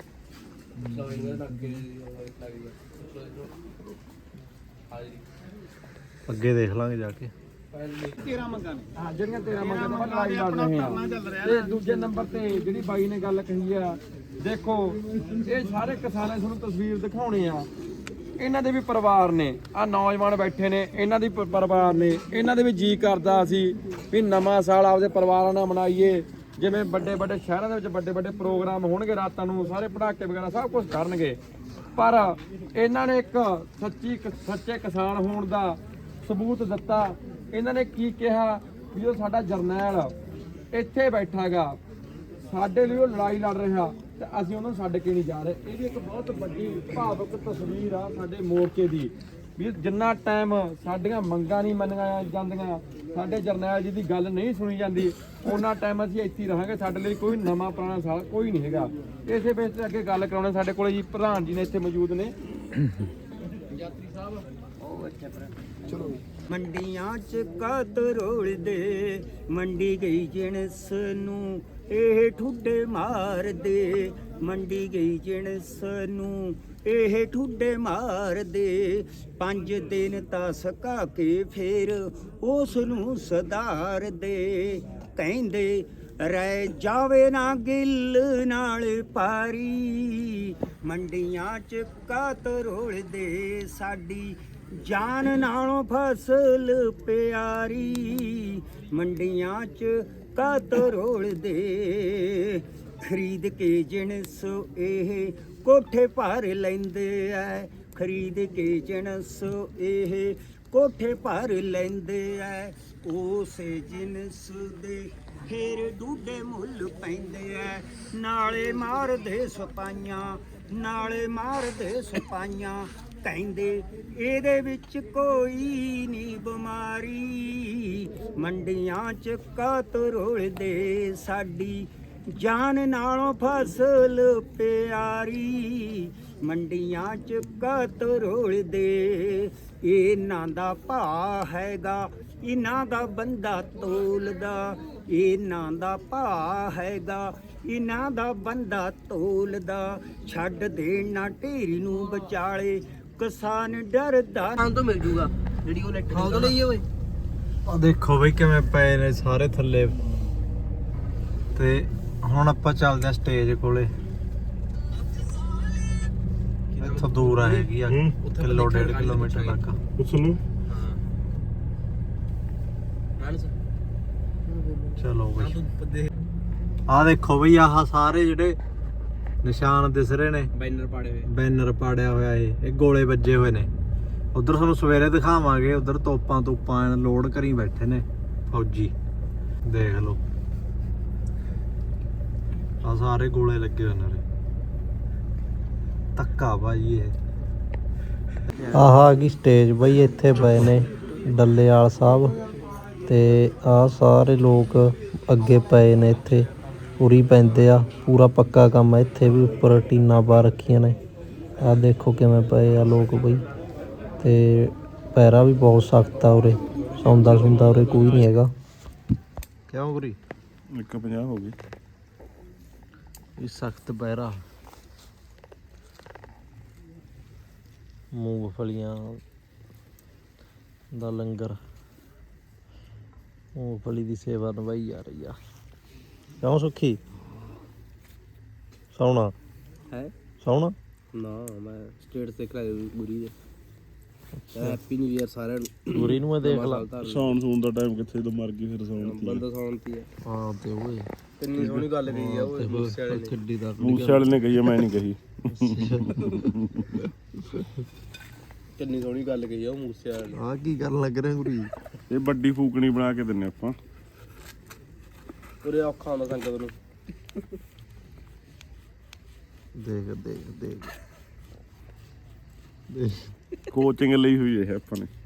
Speaker 1: ਅੱਗੇ ਦੇਖ ਲਾਂਗੇ ਜਾ ਕੇ
Speaker 6: 13 ਮੰਗਾਂ ਨੇ ਹਾਂ ਜਿਹੜੀਆਂ 13 ਮੰਗਾਂ ਨੇ ਲੜਾਈ ਲੜ ਰਹੇ ਆ ਤੇ ਦੂਜੇ ਨੰਬਰ ਤੇ ਜਿਹੜੀ ਬਾਈ ਨੇ ਗੱਲ ਕਹੀ ਆ ਦੇਖੋ ਇਹ ਸਾਰੇ ਕਿਸਾਨਾਂ ਤੁਹਾਨੂੰ ਤਸਵੀਰ ਦਿਖਾਉਣੇ ਆ ਇਹਨਾਂ ਦੇ ਵੀ ਪਰਿਵਾਰ ਨੇ ਆ ਨੌਜਵਾਨ ਬੈਠੇ ਨੇ ਇਹਨਾਂ ਦੀ ਪਰਿਵਾਰ ਨੇ ਇਹਨਾਂ ਦੇ ਵੀ ਜੀ ਕਰਦਾ ਅਸੀਂ ਵੀ ਨਵਾਂ ਸਾਲ ਆਪਦੇ ਪਰਿਵਾਰਾਂ ਨਾਲ ਮਨਾਈਏ ਜਿਵੇਂ ਵੱਡੇ ਵੱਡੇ ਸ਼ਹਿਰਾਂ ਦੇ ਵਿੱਚ ਵੱਡੇ ਵੱਡੇ ਪ੍ਰੋਗਰਾਮ ਹੋਣਗੇ ਰਾਤਾਂ ਨੂੰ ਸਾਰੇ ਪਟਾਕੇ ਵਗੈਰਾ ਸਭ ਕੁਝ ਕਰਨਗੇ ਪਰ ਇਹਨਾਂ ਨੇ ਇੱਕ ਸੱਚੇ ਕਿਸਾਨ ਹੋਣ ਦਾ ਸਬੂਤ ਦਿੱਤਾ ਇਹਨਾਂ ਨੇ ਕੀ ਕਿਹਾ ਵੀ ਉਹ ਸਾਡਾ ਜਰਨੈਲ ਇੱਥੇ ਬੈਠਾਗਾ ਸਾਡੇ ਲਈ ਉਹ ਲੜਾਈ ਲੜ ਰਿਹਾ ਤੇ ਅਸੀਂ ਉਹਨੂੰ ਛੱਡ ਕੇ ਨਹੀਂ ਜਾ ਰਹੇ ਇਹ ਵੀ ਇੱਕ ਬਹੁਤ ਵੱਡੀ ਭਾਵੁਕ ਤਸਵੀਰ ਆ ਸਾਡੇ ਮੋਰਚੇ ਦੀ ਵੀ ਜਿੰਨਾ ਟਾਈਮ ਸਾਡੀਆਂ ਮੰਗਾਂ ਨਹੀਂ ਮੰਨੀਆਂ ਜਾਂਦੀਆਂ ਸਾਡੇ ਜਰਨੈਲ ਜੀ ਦੀ ਗੱਲ ਨਹੀਂ ਸੁਣੀ ਜਾਂਦੀ ਉਹਨਾਂ ਟਾਈਮ ਅਸੀਂ ਇੱਥੇ ਹੀ ਰਹਾਂਗੇ ਸਾਡੇ ਲਈ ਕੋਈ ਨਵਾਂ ਪੁਰਾਣਾ ਸਾਲ ਕੋਈ ਨਹੀਂ ਹੈਗਾ ਇਸੇ ਬੇਸ ਤੇ ਅੱਗੇ ਗੱਲ ਕਰਾਉਣੇ ਸਾਡੇ ਕੋਲੇ ਜੀ ਪ੍ਰਧਾਨ ਜੀ ਨੇ ਇੱਥੇ ਮੌਜੂਦ ਨੇ ਯਾਤਰੀ ਸਾਹਿਬ ਚਲੋ
Speaker 7: ਮੰਡੀਆਂ ਚ ਕਾਤ ਰੋਲਦੇ ਮੰਡੀ ਗਈ ਜਿਣਸ ਨੂੰ ਇਹ ਠੁੱਡੇ ਮਾਰਦੇ ਮੰਡੀ ਗਈ ਜਿਣਸ ਨੂੰ ਇਹ ਠੁੱਡੇ ਮਾਰਦੇ 5 ਦਿਨ ਤਾਂ ਸਕਾ ਕੇ ਫੇਰ ਉਸ ਨੂੰ ਸੁਧਾਰਦੇ ਕਹਿੰਦੇ ਰਹਿ ਜਾਵੇ ਨਾ ਗਿੱਲ ਨਾਲ ਪਾਰੀ ਮੰਡੀਆਂ ਚ ਕਾਤ ਰੋਲਦੇ ਸਾਡੀ ਜਾਨ ਨਾਲੋਂ ਫਸਲ ਪਿਆਰੀ ਮੰਡੀਆਂ ਚ ਕਾਤ ਰੋਲਦੇ ਖਰੀਦ ਕੇ ਜਿਣਸ ਇਹ ਕੋਠੇ ਭਰ ਲੈਂਦੇ ਐ ਖਰੀਦ ਕੇ ਜਿਣਸ ਇਹ ਕੋਠੇ ਭਰ ਲੈਂਦੇ ਐ ਉਸੇ ਜਿਣਸ ਦੇ ਫੇਰ ਡੂਡੇ ਮੁੱਲ ਪੈਂਦੇ ਐ ਨਾਲੇ ਮਾਰਦੇ ਸਪਾਈਆਂ ਨਾਲੇ ਮਾਰਦੇ ਸਪਾਈਆਂ ਕਹਿੰਦੇ ਇਹਦੇ ਵਿੱਚ ਕੋਈ ਨਹੀਂ ਬਿਮਾਰੀ ਮੰਡੀਆਂ 'ਚ ਕਾਤ ਰੋਲਦੇ ਸਾਡੀ ਜਾਨ ਨਾਲੋਂ ਫਸਲ ਪਿਆਰੀ ਮੰਡੀਆਂ 'ਚ ਕਾਤ ਰੋਲਦੇ ਇਹਨਾਂ ਦਾ ਭਾ ਹੈਗਾ ਇਹਨਾਂ ਦਾ ਬੰਦਾ ਤੋਲਦਾ ਇਹਨਾਂ ਦਾ ਭਾ ਹੈਗਾ ਇਹਨਾਂ ਦਾ ਬੰਦਾ ਤੋਲਦਾ ਛੱਡ ਦੇਣਾ ਢੇਰੀ ਨੂੰ ਵਿਚਾਲੇ ਕਿਸਾਨ ਡਰਦਾ
Speaker 4: ਖਾਣ ਤੋਂ ਮਿਲ ਜੂਗਾ ਜਿਹੜੀ ਉਹ ਲੈਟ ਖਾਣ ਤੋਂ ਲਈ ਓਏ
Speaker 1: ਆ ਦੇਖੋ ਬਈ ਕਿਵੇਂ ਪਏ ਨੇ ਸਾਰੇ ਥੱਲੇ ਤੇ ਹੁਣ ਆਪਾਂ ਚੱਲਦੇ ਆ ਸਟੇਜ ਕੋਲੇ ਇੱਥੋਂ ਦੂਰ ਆ ਹੈਗੀ ਆ ਕਿਲੋ 1.5 ਕਿਲੋਮੀਟਰ ਤੱਕ
Speaker 2: ਉਸ ਨੂੰ
Speaker 1: ਚਲੋ ਬਈ ਆ ਦੇਖੋ ਬਈ ਆਹ ਸਾਰੇ ਜਿਹੜੇ ਨਿਸ਼ਾਨ ਦਿਸ ਰਹੇ ਨੇ
Speaker 4: ਬੈਨਰ ਪਾੜੇ ਹੋਏ
Speaker 1: ਬੈਨਰ ਪਾੜਿਆ ਹੋਇਆ ਇਹ ਗੋਲੇ ਵੱਜੇ ਹੋਏ ਨੇ ਉਧਰ ਤੁਹਾਨੂੰ ਸਵੇਰੇ ਦਿਖਾਵਾਂਗੇ ਉਧਰ ਤੋਪਾਂ ਲੋਡ ਕਰੀ ਬੈਠੇ ਨੇ ਫੌਜੀ ਦੇਖ ਲਓ ਆ ਸਾਰੇ ਗੋਲੇ ਲੱਗੇ ਹੋਏ ਨੇ ਧੱਕਾ ਭਾਈ ਇਹ ਆਹ ਆ ਗਈ ਸਟੇਜ ਬਈ ਇੱਥੇ ਪਏ ਨੇ ਡੱਲੇਵਾਲ ਸਾਹਿਬ ਤੇ ਆ ਸਾਰੇ ਲੋਕ ਅੱਗੇ ਪਏ ਨੇ ਇੱਥੇ ਪੂਰੀ ਪੈਂਦੇ ਆ ਪੂਰਾ ਪੱਕਾ ਕੰਮ ਆ ਇੱਥੇ ਵੀ ਉੱਪਰ ਟੀਨਾਂ ਪਾ ਰੱਖੀਆਂ ਨੇ ਆ ਦੇਖੋ ਕਿਵੇਂ ਪਏ ਆ ਲੋਕ ਬਈ ਤੇ ਪੈਰਾ ਵੀ ਬਹੁਤ ਸਖਤ ਆ ਉਰੇ ਸੌਂਦਾ ਉਰੇ ਕੋਈ ਨਹੀਂ ਹੈਗਾ ਕਿਉਂ ਗੁਰੀ
Speaker 2: 150 ਹੋ ਗਈ
Speaker 1: ਇਹ ਸਖਤ ਪੈਰਾ ਮੂੰਗਫਲੀਆਂ ਦਾ ਲੰਗਰ ਮੂੰਗਫਲੀ ਦੀ ਸੇਵਾ ਨਿਭਾਈ ਜਾ ਰਹੀ ਆ ਕਿਉਂ ਸੁੱਖੀ ਸੌਣਾ
Speaker 4: ਹੈ
Speaker 1: ਸੌਣਾ
Speaker 4: ਨਾ ਮੈਂ ਸਟੇਟ ਤੇ ਕਰਾਇਆ ਗੁਰੀ ਦੇ ਹੈਪੀ ਨਿਊ ਇਅਰ ਸਾਰਿਆਂ ਨੂੰ
Speaker 1: ਗੁਰੀ ਨੂੰ ਮੈਂ ਦੇਖ ਲਾ
Speaker 2: ਸੌਣ ਸੂਣ ਦਾ ਟਾਈਮ ਕਿੱਥੇ ਤੋਂ ਮਰ ਗਈ ਫਿਰ ਸੌਣ ਦੀ
Speaker 4: ਬੰਦਾ ਸੌਣਤੀ ਹੈ
Speaker 1: ਹਾਂ ਤੇ ਓਏ
Speaker 4: ਕਿੰਨੀ ਸੋਹਣੀ ਗੱਲ ਕਹੀ ਆ ਓਏ ਮੂਸੇ ਵਾਲੇ ਨੇ
Speaker 1: ਕਿੱਡੀ ਦਾ
Speaker 2: ਮੂਸੇ ਵਾਲੇ ਨੇ ਕਹੀ ਆ, ਮੈਂ ਨਹੀਂ ਕਹੀ
Speaker 4: ਕਿੰਨੀ ਸੋਹਣੀ ਗੱਲ ਕਹੀ ਆ ਉਹ ਮੂਸੇ ਵਾਲੇ ਨੇ
Speaker 1: ਆ ਕੀ ਕਰਨ ਲੱਗ ਰਿਹਾ ਗੁਰੀ
Speaker 2: ਇਹ ਵੱਡੀ ਫੂਕਣੀ ਬਣਾ ਕੇ ਦਿੰਨੇ ਆਪਾਂ
Speaker 4: ਉਰੇ ਔਖਾ ਹੁੰਦਾ ਸੰਗਤ ਨੂੰ
Speaker 1: ਦੇਖ ਦੇਖ ਦੇਖ
Speaker 2: ਕੋਚਿੰਗ ਲਈ ਹੋਈ ਹੈ ਆਪਾਂ ਨੇ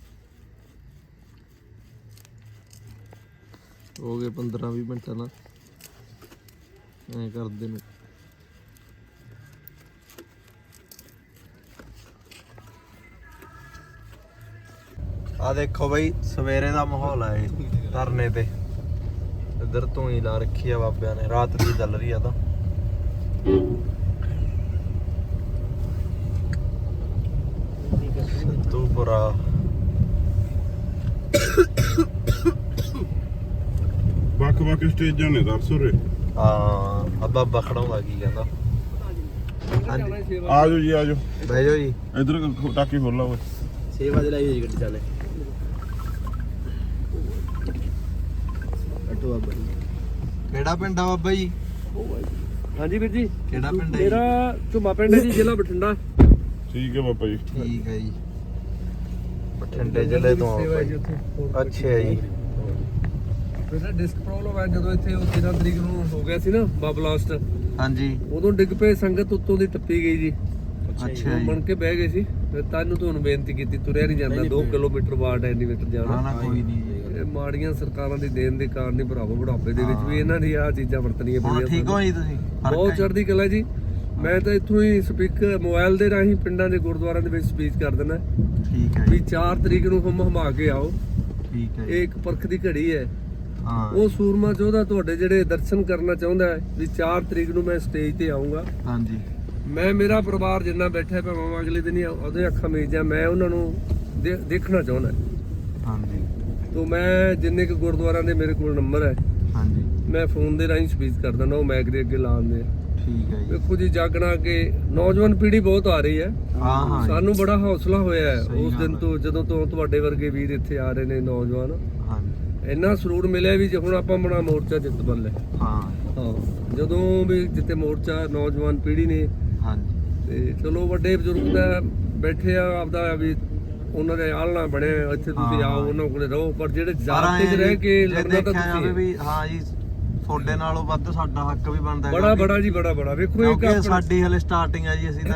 Speaker 1: ਹੋ ਗਏ 15-20 ਮਿੰਟ ਨਾ ਐ ਕਰਦੇ ਨੂੰ ਆ ਦੇਖੋ ਬਈ ਸਵੇਰੇ ਦਾ ਮਾਹੌਲ ਆ ਇਹ ਧਰਨੇ ਤੇ ਇੱਧਰ ਧੂਣੀ ਲਾ ਰੱਖੀ ਆ ਬਾਬਿਆਂ ਨੇ ਰਾਤ ਦੀ ਚੱਲ ਰਹੀ ਆ ਤਾਂ ਸਿੱਧੂਪੁਰਾ
Speaker 2: ਵੱਖ ਸਟੇਜਾਂ ਨੇ ਦਰਸੋਰੇ
Speaker 1: ਹਾਂ ਅੱਬਾ ਬਖੜਾਉਂਦਾ ਕੀ ਕਹਿੰਦਾ ਹਾਂਜੀ
Speaker 2: ਆ ਜਾਓ ਜੀ ਆ ਜਾਓ
Speaker 1: ਬਹਿ ਜਾਓ ਜੀ
Speaker 2: ਇਧਰ ਟਾਕੀ ਖੋਲ ਲਾ ਓਏ
Speaker 4: 6 ਵਜੇ ਲਾਈ ਹੋਈ ਗੱਡੀ ਚਾਲੇ ਅਟੋ ਬਾਬਾ
Speaker 1: ਕਿਹੜਾ ਪਿੰਡ ਆ ਬਾਬਾ ਜੀ
Speaker 3: ਹਾਂਜੀ ਵੀਰ ਜੀ
Speaker 1: ਕਿਹੜਾ ਪਿੰਡ ਹੈ
Speaker 3: ਮੇਰਾ ਝੁੰਮਾ ਪਿੰਡ ਹੈ ਜੀ ਜ਼ਿਲ੍ਹਾ ਬਠਿੰਡਾ
Speaker 2: ਠੀਕ ਹੈ ਬਾਬਾ ਜੀ
Speaker 1: ਠੀਕ ਹੈ ਜੀ ਬਠਿੰਡੇ ਜ਼ਿਲ੍ਹੇ ਤੋਂ ਆ ਬਾਈ ਅੱਛਾ ਜੀ
Speaker 3: ਮੇਰਾ ਡਿਸਕ ਪ੍ਰੋਬਲਮ ਹੈ ਜਦੋਂ ਇੱਥੇ ਉਹ 13 ਤਰੀਕ ਨੂੰ ਹੋ ਗਿਆ ਸੀ ਨਾ ਬਬਲਾਸਟ
Speaker 1: ਹਾਂਜੀ
Speaker 3: ਉਦੋਂ ਡਿੱਗ ਪਏ ਸੰਗਤ ਉੱਤੋਂ ਦੀ ਟੱਪੀ ਗਈ ਜੀ
Speaker 1: ਅੱਛਾ ਜੀ
Speaker 3: ਬਣ ਕੇ ਬਹਿ ਗਏ ਸੀ ਫਿਰ ਤੁਹਾਨੂੰ ਬੇਨਤੀ ਕੀਤੀ ਤੁਰਿਆ ਨਹੀਂ ਜਾਂਦਾ 2 ਕਿਲੋਮੀਟਰ ਬਾਅਦ ਐਲੀਵੇਟਰ
Speaker 1: ਨਾ
Speaker 3: ਜਾਣਾ
Speaker 1: ਨਾ ਕੋਈ ਨਹੀਂ ਜੀ
Speaker 3: ਇਹ ਮਾੜੀਆਂ ਸਰਕਾਰਾਂ ਦੀ ਦੇਣ ਦੇ ਕਾਰਨ ਹੀ ਭਰਾਵੋ ਬੁਢਾਪੇ ਦੇ ਵਿੱਚ ਵੀ ਇਹਨਾਂ ਦੀ ਆਹ ਚੀਜ਼ਾਂ ਵਰਤਣੀਆਂ
Speaker 1: ਹੁਣ
Speaker 3: ਪਈਆਂ
Speaker 1: ਠੀਕ ਹੋ ਜੀ ਤੁਸੀਂ ਫਰਕ
Speaker 3: ਬਹੁਤ
Speaker 1: ਹੈ?
Speaker 3: ਚੜ੍ਹਦੀ ਕਲਾ ਜੀ ਮੈਂ ਤਾਂ ਇੱਥੋਂ ਹੀ ਸਪੀਕਰ ਮੋਬਾਈਲ ਦੇ ਰਾਹੀਂ ਪਿੰਡਾਂ ਦੇ ਗੁਰਦੁਆਰਿਆਂ ਦੇ ਵਿੱਚ ਸਪੀਚ ਕਰ ਦਿੰਦਾ
Speaker 1: ਠੀਕ ਹੈ
Speaker 3: ਵੀ
Speaker 1: ਜੀ
Speaker 3: 4 ਤਰੀਕ ਨੂੰ ਹਮਾ ਕੇ ਆਓ
Speaker 1: ਠੀਕ ਹੈ ਜੀ
Speaker 3: ਇਹ ਇੱਕ ਪਰਖ ਦੀ ਘੜੀ ਹੈ
Speaker 1: ਹਾਂ
Speaker 3: ਉਹ ਸੂਰਮਾ ਯੋਧਾ ਤੁਹਾਡੇ ਜਿਹੜੇ ਦਰਸ਼ਨ ਕਰਨਾ ਚਾਹੁੰਦਾ ਹੈ ਵੀ 4 ਤਰੀਕ ਨੂੰ ਮੈਂ ਸਟੇਜ ਤੇ ਆਉਂਗਾ
Speaker 1: ਹਾਂਜੀ
Speaker 3: ਮੈਂ ਮੇਰਾ ਪਰਿਵਾਰ ਜਿੰਨਾ ਬੈਠਾ ਭਾਵੇਂ ਅਗਲੇ ਦਿਨ ਹੀ ਉਹਦੇ ਅੱਖਾਂ ਮੀਚ ਜਾ ਮੈਂ ਉਹਨਾਂ ਨੂੰ ਦੇਖਣਾ ਚਾਹੁੰਦਾ
Speaker 1: ਹਾਂਜੀ
Speaker 3: ਤੋਂ ਮੈਂ ਜਿੰਨੇ ਕੁ ਗੁਰਦੁਆਰਿਆਂ ਦੇ ਮੇਰੇ ਕੋਲ ਨੰਬਰ ਹੈ
Speaker 1: ਹਾਂਜੀ
Speaker 3: ਮੈਂ ਫੋਨ ਦੇ ਰਾਹੀਂ ਸਪੀਚ ਕਰ ਦਿੰਦਾ ਉਹ ਮੈਕ ਦੇ ਅੱਗੇ ਲਾਉਂਦੇ
Speaker 1: ਠੀਕ ਹੈ ਜੀ
Speaker 3: ਵੇਖੋ ਜੀ ਜਾਗਣਾ ਕਿ ਨੌਜਵਾਨ ਪੀੜ੍ਹੀ ਬਹੁਤ ਆ ਰਹੀ ਹੈ
Speaker 1: ਹਾਂ ਹਾਂ ਜੀ,
Speaker 3: ਸਾਨੂੰ ਬੜਾ ਹੌਸਲਾ ਹੋਇਆ ਹੈ
Speaker 1: ਸਹੀ
Speaker 3: ਉਸ
Speaker 1: ਗੱਲ
Speaker 3: ਦਿਨ
Speaker 1: ਹੈ।
Speaker 3: ਤੋਂ ਜਦੋਂ ਤੋਂ ਤੁਹਾਡੇ ਵਰਗੇ ਵੀਰ ਇੱਥੇ ਆ ਰਹੇ ਨੇ ਨੌਜਵਾਨ
Speaker 1: ਹਾਂਜੀ
Speaker 3: ਇੰਨਾ ਸਰੂਰ ਮਿਲਿਆ ਵੀ ਜੇ ਹੁਣ ਆਪਾਂ ਬਣਾ ਮੋਰਚਾ ਜਿੱਤ ਬੱਲੇ
Speaker 1: ਹਾਂ
Speaker 3: ਹਾਂ ਜਦੋਂ ਵੀ ਜਿੱਤੇ ਮੋਰਚਾ ਨੌਜਵਾਨ ਪੀੜ੍ਹੀ ਨੇ
Speaker 1: ਹਾਂਜੀ
Speaker 3: ਤੇ ਚਲੋ ਵੱਡੇ ਬਜ਼ੁਰਗ ਦਾ ਬੈਠੇ ਆ ਆਪਦਾ ਵੀ ਉਹਨਾਂ ਦੇ ਆਲਣਾ ਬਣਿਆ ਇੱਥੇ ਤੁਸੀਂ
Speaker 1: ਹਾਂ।
Speaker 3: ਆਓ ਉਹਨਾਂ ਕੋਲੇ ਰਹੋ ਪਰ ਜਿਹੜੇ
Speaker 1: ਪਰ
Speaker 3: ਜਾਤ ਤੇ
Speaker 1: ਐਂ
Speaker 3: ਰਹਿ ਕੇ
Speaker 1: ਜੇ
Speaker 3: ਲੜਨਾ ਤਾਂ
Speaker 1: ਦੇਖਿਆ ਜਾਵੇ
Speaker 3: ਤੁਸੀਂ
Speaker 1: ਵੀ ਹਾਂ ਜੀ ਤੁਹਾਡੇ ਨਾਲੋਂ ਵੱਧ ਸਾਡਾ ਹੱਕ ਵੀ ਬਣਦਾ
Speaker 3: ਬੜਾ ਬੜਾ ਜੀ ਬੜਾ ਵੇਖੋ ਇੱਕ
Speaker 1: ਕਿਉਂਕਿ
Speaker 3: ਆਪਣਾ
Speaker 1: ਸਾਡੀ ਹਲੇ ਸਟਾਰਟਿੰਗ ਆ ਜੀ ਅਸੀਂ ਤਾਂ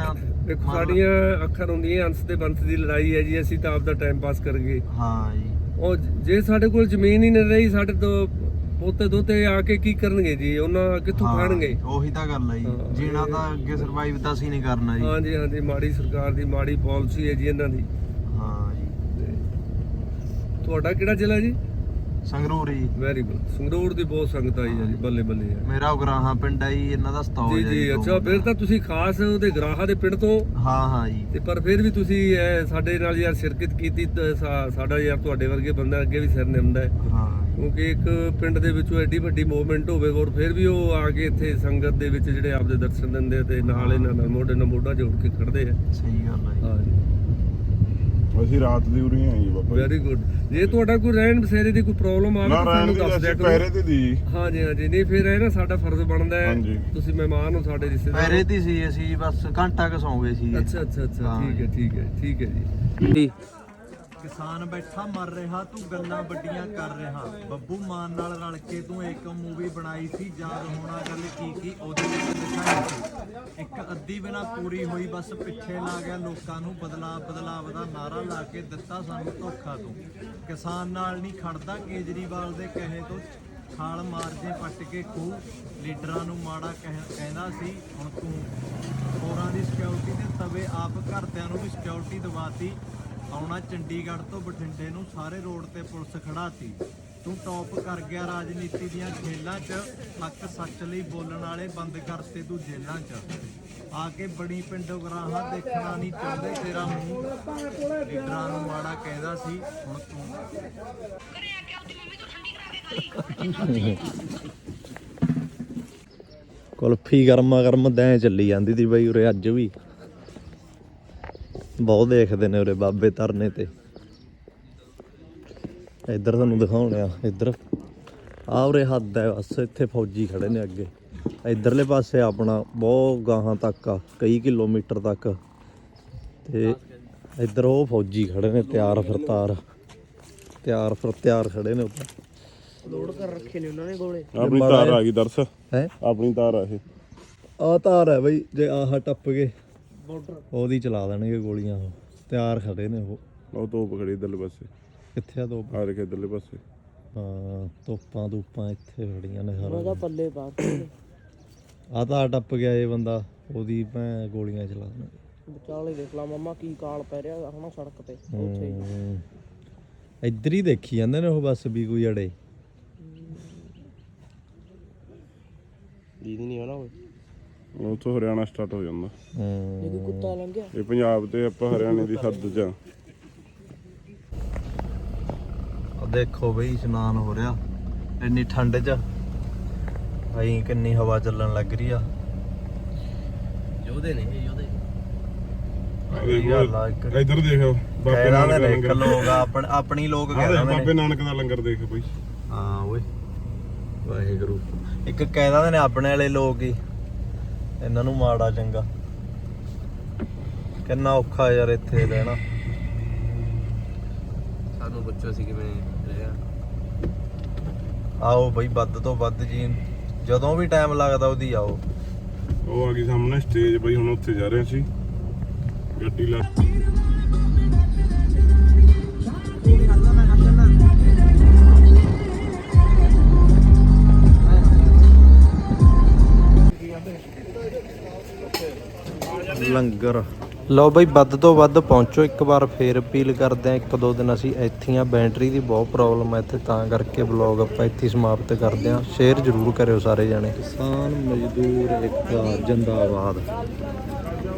Speaker 3: ਦੇਖੋ ਸਾਡੀਆਂ ਅੱਖਾਂ ਹੁੰਦੀਆਂ ਅੰਸ ਤੇ ਬੰਸ ਦੀ ਲੜਾਈ ਹੈ ਜੀ, ਅਸੀਂ ਤਾਂ ਆਪਦਾ ਟਾਈਮ ਪਾਸ ਕਰ ਗਏ।
Speaker 1: ਹਾਂ ਜੀ,
Speaker 3: ਉਹ ਜੇ ਸਾਡੇ ਕੋਲ ਜ਼ਮੀਨ ਹੀ ਨਹੀਂ ਰਹੀ, ਸਾਡੇ ਤੋਂ ਪੋਤੇ ਦੋਤੇ ਆ ਕੇ ਕੀ ਕਰਨਗੇ ਜੀ, ਉਹਨਾਂ ਕਿੱਥੋਂ ਖਾਣਗੇ?
Speaker 1: ਉਹੀ ਤਾਂ ਗੱਲ ਹੈ ਜੀ, ਜੀਣਾ ਤਾਂ ਅੱਗੇ ਸਰਵਾਈਵ ਤਾਂ ਅਸੀਂ ਨਹੀਂ ਕਰਨਾ ਜੀ।
Speaker 3: ਹਾਂਜੀ ਹਾਂਜੀ, ਮਾੜੀ ਸਰਕਾਰ ਦੀ ਮਾੜੀ ਪਾਲਿਸੀ ਹੈ ਜੀ ਇਹਨਾਂ ਦੀ।
Speaker 1: ਹਾਂ ਜੀ।
Speaker 3: ਤੁਹਾਡਾ ਕਿਹੜਾ ਜ਼ਿਲ੍ਹਾ ਜੀ?
Speaker 1: ਸੰਗਰੂਰ ਜੀ।
Speaker 3: Very good. ਸੰਗਰੂਰ ਦੀ ਬਹੁਤ ਸੰਗਤ ਆਈ ਹੈ ਜੀ, ਬੱਲੇ ਬੱਲੇ ਹੈ।
Speaker 1: ਮੇਰਾ ਉਗਰਾਹਾਂ ਪਿੰਡ ਹੈ ਜੀ, ਇਹਨਾਂ ਦਾ ਸਤੌਜ
Speaker 3: ਜੀ
Speaker 1: ਹੈ
Speaker 3: ਜੀ, ਅੱਛਾ ਫਿਰ ਤਾਂ ਤੁਸੀਂ ਖਾਸ ਉਹਦੇ ਗਰਾਹਾਂ ਦੇ ਪਿੰਡ ਤੋਂ?
Speaker 1: ਹਾਂ ਹਾਂ ਜੀ।
Speaker 3: ਤੇ ਪਰ ਫਿਰ ਵੀ ਤੁਸੀਂ ਸਾਡੇ ਨਾਲ ਯਾਰ ਸ਼ਿਰਕਤ ਕੀਤੀ, ਸਾਡਾ ਯਾਰ ਤੁਹਾਡੇ ਵਰਗੇ ਬੰਦਾ ਅੱਗੇ ਵੀ ਸਿਰ ਨਿਮਦਾ ਹੈ।
Speaker 1: ਹਾਂ,
Speaker 3: ਕਿਉਂਕਿ ਇੱਕ ਪਿੰਡ ਦੇ ਵਿੱਚੋਂ ਐਡੀ ਵੱਡੀ ਮੂਵਮੈਂਟ ਹੋਵੇ ਔਰ ਫਿਰ ਵੀ ਉਹ ਆ ਕੇ ਇੱਥੇ ਸੰਗਤ ਦੇ ਵਿੱਚ ਜਿਹੜੇ ਆਪਦੇ ਦਰਸ਼ਨ ਦਿੰਦੇ ਤੇ ਨਾਲ ਇਹਨਾਂ ਨਾਲ ਮੋਢੇ ਨਾਲ ਮੋਢਾ ਜੋੜ ਕੇ ਖੜਦੇ ਆ।
Speaker 1: ਸਹੀ ਗੱਲ ਹੈ ਜੀ।
Speaker 3: ਹਾਂ ਜੀ,
Speaker 2: ਅਸੀਂ ਰਾਤ ਦੀ ਉਰੀ ਆਏ ਜੀ ਬਾਬਾ।
Speaker 3: Very good. ਜੇ ਤੁਹਾਡਾ ਕੋਈ ਰਹਿਣ ਬਸੇਰੇ ਦੀ ਕੋਈ ਪ੍ਰੋਬਲਮ ਆਵੇ ਤਾਂ ਸਾਨੂੰ ਦੱਸ ਦਿਆ ਕਰੋ।
Speaker 2: ਪਹਿਰੇ ਤੇ ਦੀ।
Speaker 3: ਹਾਂਜੀ ਹਾਂਜੀ, ਨਹੀਂ ਫਿਰ ਇਹ ਨਾ ਸਾਡਾ ਫਰਜ਼ ਬਣਦਾ ਹੈ, ਤੁਸੀਂ ਮਹਿਮਾਨ ਹੋ ਸਾਡੇ ਰਿਸ਼ਤੇਦਾਰ।
Speaker 1: ਪਹਿਰੇ ਤੇ ਸੀ ਅਸੀਂ, ਬਸ ਘੰਟਾ ਕੁ ਸੌਂ ਗਏ ਸੀ।
Speaker 3: ਅੱਛਾ ਅੱਛਾ ਅੱਛਾ, ਠੀਕ ਹੈ ਠੀਕ ਹੈ ਠੀਕ ਹੈ ਜੀ।
Speaker 1: ਕਿਸਾਨ ਬੈਠਾ ਮਰ ਰਿਹਾ, ਤੂੰ ਗੱਲਾਂ ਵੱਡੀਆਂ ਕਰ ਰਿਹਾ। ਬੱਬੂ ਮਾਨ ਨਾਲ ਰਲ ਕੇ ਤੂੰ ਇੱਕ ਮੂਵੀ ਬਣਾਈ ਸੀ, ਯਾਦ ਹੋਣਾ ਗੱਲ ਕੀ ਉਹਦੇ ਵਿੱਚ ਦਿਖਾਈ ਸੀ। ਇੱਕ ਅੱਧੀ ਬਿਨਾ ਪੂਰੀ ਹੋਈ, ਬਸ ਪਿੱਛੇ ਲਾ ਗਿਆ ਲੋਕਾਂ ਨੂੰ, ਬਦਲਾਵ ਦਾ ਨਾਰਾ ਲਾ ਕੇ ਦਿੱਤਾ ਸਾਨੂੰ ਧੋਖਾ ਤੂੰ। ਕਿਸਾਨ ਨਾਲ ਨਹੀਂ ਖੜਦਾ ਕੇਜਰੀਵਾਲ ਦੇ ਕਹੇ ਤੋਂ, ਖਾਲ ਮਾਰ ਜੇ ਪੱਟ ਕੇ ਖੂਹ। ਲੀਡਰਾਂ ਨੂੰ ਮਾੜਾ ਕਹਿੰਦਾ ਸੀ, ਹੁਣ ਤੂੰ ਹੋਰਾਂ ਦੀ ਸਿਕਿਉਰਿਟੀ ਦੇ ਤਵੇ ਆਪ ਘਰਦਿਆਂ ਨੂੰ ਵੀ ਸਿਕਿਉਰਿਟੀ ਦਵਾਤੀ। ਆਉਣਾ ਚੰਡੀਗੜ੍ਹ ਤੋਂ ਬਠਿੰਡੇ ਨੂੰ, ਸਾਰੇ ਰੋਡ ਤੇ ਪੁਲਿਸ ਖੜਾਤੀ। ਤੂੰ ਟੌਪ ਕਰ ਗਿਆ ਰਾਜਨੀਤੀ ਦੀਆਂ ਖੇਲਾਂ 'ਚ, ਹੱਕ ਸੱਚ ਲਈ ਬੋਲਣ ਵਾਲੇ ਬੰਦ ਕਰਤੇ ਤੂੰ ਜੇਲ੍ਹਾਂ 'ਚ। ਆ ਕੇ ਬੜੀ ਪਿੰਡੋਂ ਗਰਾਹਾਂ ਦੇਖਣਾ ਨਹੀਂ ਚਾਹੁੰਦੇ ਤੇਰਾ ਮੂੰਹ। ਲੀਡਰਾਂ ਨੂੰ ਮਾੜਾ ਕਹਿੰਦਾ ਸੀ, ਹੁਣ ਤੂੰ ਕੁਲਫੀ ਗਰਮ ਦੈਂ ਚੱਲੀ ਜਾਂਦੀ ਸੀ ਬਈ ਉਰੇ। ਅੱਜ ਵੀ ਬਹੁਤ ਦੇਖਦੇ ਨੇ ਉਰੇ ਬਾਬੇ ਧਰਨੇ ਤੇ। ਇੱਧਰ ਤੁਹਾਨੂੰ ਦਿਖਾਉਣੇ ਆ, ਇੱਧਰ ਆ ਉਰੇ ਹੱਦ ਹੈ ਬਸ, ਇੱਥੇ ਫੌਜੀ ਖੜੇ ਨੇ ਅੱਗੇ। ਇੱਧਰਲੇ ਪਾਸੇ ਆਪਣਾ ਬਹੁਤ ਗਾਹਾਂ ਤੱਕ ਆ, ਕਈ ਕਿਲੋਮੀਟਰ ਤੱਕ। ਤੇ ਇੱਧਰ ਉਹ ਫੌਜੀ ਖੜੇ ਨੇ ਤਿਆਰ ਖੜੇ ਨੇ ਉੱਪਰ।
Speaker 4: ਲੋਡ ਕਰ ਰੱਖੇ ਨੇ ਉਹਨਾਂ ਨੇ ਗੋਲੇ।
Speaker 2: ਆਪਣੀ ਤਾਰ ਆ ਗਈ ਦਰਸ
Speaker 1: ਹੈ,
Speaker 2: ਆਪਣੀ ਤਾਰ ਆ ਇਹ।
Speaker 1: ਆਹ ਤਾਰ ਹੈ ਬਈ, ਜੇ ਆਹ ਟੱਪ ਗਏ ਉਹਦੀ ਚਲਾ ਦੇਣਗੇ ਗੋਲੀਆਂ। ਉਹ ਤਿਆਰ ਖੜੇ ਨੇ। ਉਹ
Speaker 2: ਤੋਪ ਖੜੀ ਇਧਰਲੇ ਪਾਸੇ।
Speaker 1: ਕਿੱਥੇ ਆ ਤੋਪ?
Speaker 2: ਆ ਰਿਹਾ ਇਧਰਲੇ ਪਾਸੇ।
Speaker 1: ਹਾਂ, ਤੋਪਾਂ ਇੱਥੇ ਖੜੀਆਂ ਨੇ ਸਾਰਾ।
Speaker 4: ਉਹਦਾ ਪੱਲੇ ਪਾ
Speaker 1: ਆਹ ਤਾਰ ਟੱਪ ਗਿਆ ਇਹ ਬੰਦਾ, ਉਹਦੀ ਭੈਂ ਗੋਲੀਆਂ ਚਲਾ ਦੇਣਗੇ।
Speaker 4: ਵਿਚਾਲੇ ਦੇਖ ਲਾ ਮਾਮਾ ਕੀ ਕਾਲ ਪੈ ਰਿਹਾ ਹਨਾ ਸੜਕ ਤੇ।
Speaker 1: ਇੱਧਰ ਹੀ ਦੇਖੀ ਜਾਂਦੇ ਨੇ ਉਹ, ਬਸ ਵੀ ਕੋਈ ਅੜੇ
Speaker 4: ਦੀਦੀ ਨਹੀਂ ਹੋਣਾ।
Speaker 2: ਉੱਥੋਂ ਹਰਿਆਣਾ ਸਟਾਰਟ ਹੋ ਜਾਂਦਾ।
Speaker 4: ਇਹ ਕੋਈ ਕੁੱਤਾ ਲੰਘਿਆ।
Speaker 2: ਇਹ ਪੰਜਾਬ ਤੇ ਆਪਾਂ ਹਰਿਆਣੇ ਦੀ ਹੱਦ 'ਚ ਆ।
Speaker 1: ਦੇਖੋ ਬਈ ਇਸ਼ਨਾਨ ਹੋ ਰਿਹਾ ਇੰਨੀ ਠੰਡ 'ਚ। ਭਾਈ ਕਿੰਨੀ ਹਵਾ ਚੱਲਣ ਲੱਗ ਰਹੀ ਆ।
Speaker 4: ਯੋਧੇ ਨੇ ਇਹ ਯੋਧੇ।
Speaker 2: ਇੱਧਰ ਦੇਖ ਬਾਬੇ ਨਾਨਕ ਦਾ ਲੰਗਰ।
Speaker 1: ਲੋਕ ਆਪਣੀ ਲੋਕ ਕਹਿ ਰਹੇ ਨੇ।
Speaker 2: ਬਾਬੇ ਨਾਨਕ ਦਾ ਲੰਗਰ ਦੇਖ ਬਈ।
Speaker 1: ਹਾਂ ਓਏ ਵਾਹਿਗੁਰੂ। ਇੱਕ ਕਹਿ ਦਿੰਦੇ ਨੇ ਆਪਣੇ ਵਾਲੇ ਲੋਕ ਹੀ, ਇਹਨਾਂ ਨੂੰ ਮਾੜਾ ਚੰਗਾ। ਕਿੰਨਾ ਔਖਾ ਯਾਰ ਇੱਥੇ ਰਹਿਣਾ।
Speaker 4: ਸਾਨੂੰ ਪੁੱਛੋ ਸੀ ਕਿਵੇਂ ਰਿਹਾ।
Speaker 1: ਆਓ ਬਈ ਵੱਧ ਤੋਂ ਵੱਧ ਜੀ, ਜਦੋਂ ਵੀ ਟਾਈਮ ਲੱਗਦਾ ਉਹਦੀ ਆਓ।
Speaker 2: ਉਹ ਆ ਗਈ ਸਾਹਮਣੇ ਸਟੇਜ ਬਈ, ਹੁਣ ਉੱਥੇ ਜਾ ਰਹੇ ਸੀ ਗੱਡੀ ਲਾ। ਲੰਗਰ ਲਓ ਬਈ, ਵੱਧ ਤੋਂ ਵੱਧ ਪਹੁੰਚੋ। ਇੱਕ ਵਾਰ ਫੇਰ ਅਪੀਲ ਕਰਦੇ ਆ, 1-2 ਦਿਨ ਅਸੀਂ ਇੱਥੇ ਆ, ਬੈਟਰੀ ਦੀ ਬਹੁਤ ਪ੍ਰੋਬਲਮ ਹੈ ਇੱਥੇ, ਤਾਂ ਕਰਕੇ ਵਲੌਗ ਆਪਾਂ ਇੱਥੇ ਸਮਾਪਤ ਕਰਦੇ ਆ। ਸ਼ੇਅਰ ਜ਼ਰੂਰ ਕਰਿਓ ਸਾਰੇ ਜਾਣੇ। ਕਿਸਾਨ ਮਜ਼ਦੂਰ ਏਕਤਾ ਜਿੰਦਾਬਾਦ।